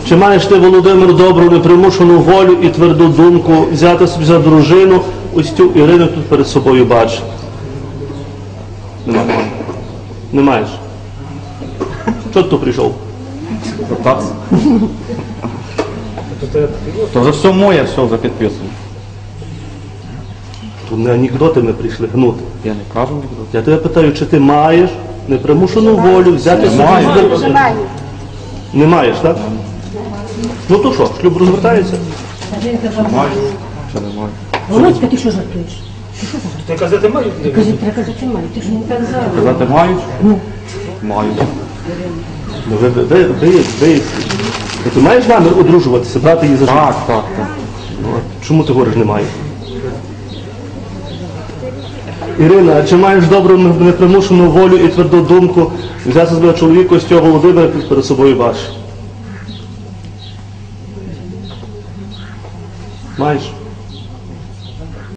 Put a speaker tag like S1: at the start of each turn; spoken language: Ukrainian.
S1: Чи маєш ти, Володимир, добру, непримушену волю і тверду думку взяти собі за дружину ось цю Ірину тут перед собою бачиш? Немає. Не маєш? Чого ти тут прийшов?
S2: Питатися. То вже все моє, все вже підписано.
S1: Тут не анекдоти ми прийшли гнути.
S2: Я не кажу нікуди.
S1: Я тебе питаю, чи ти маєш непримушену волю взяти собі
S2: Маю.
S1: за дружину? Не маєш, так? Ну то що, шлюб розвертається?
S2: Маю. Чи не маю?
S3: Володька, ти що жартуєш? Ти що жартуєш?
S4: Ти казати маю?
S3: Треба казати маю, ти ж не так зараз.
S2: Казати мають? Маю.
S1: Ну, ти маєш намір одружуватися, брати її за життя?
S2: Так.
S1: Ну, а чому ти говориш немає? Ірина, а чи маєш добру непримушену волю і тверду думку взяти себе чоловіка ось цього Володимира перед собою бачиш? Маєш?